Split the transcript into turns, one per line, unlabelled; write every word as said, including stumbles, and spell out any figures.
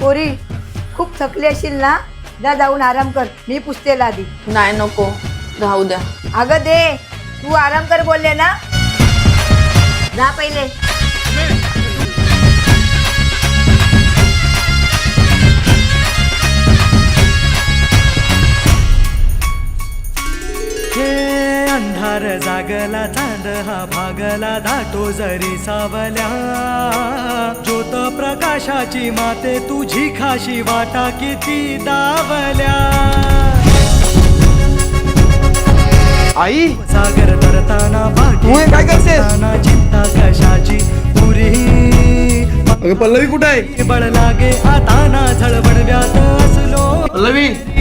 पोरी खूप थकली असेल ना, जा जाऊन आराम कर, मी पुसते आधी.
नाही नको, राहू द्या.
अगं दे, तू आराम कर बोलले ना, जा पहिले.
अंधार जागला चांद हा भागला दाटो जरी सावल्या, ज्योत प्रकाशाची माते तुझी खाशी वाटा किती दावल्या.
आई
सागर तरताना
तू हे काय करतेस?
पाठी चिंता कशाची पुरी.
अगं पल्लवी कुठे आहे?
बळ लागे आता ना झळबडव्यात असलो.
पल्लवी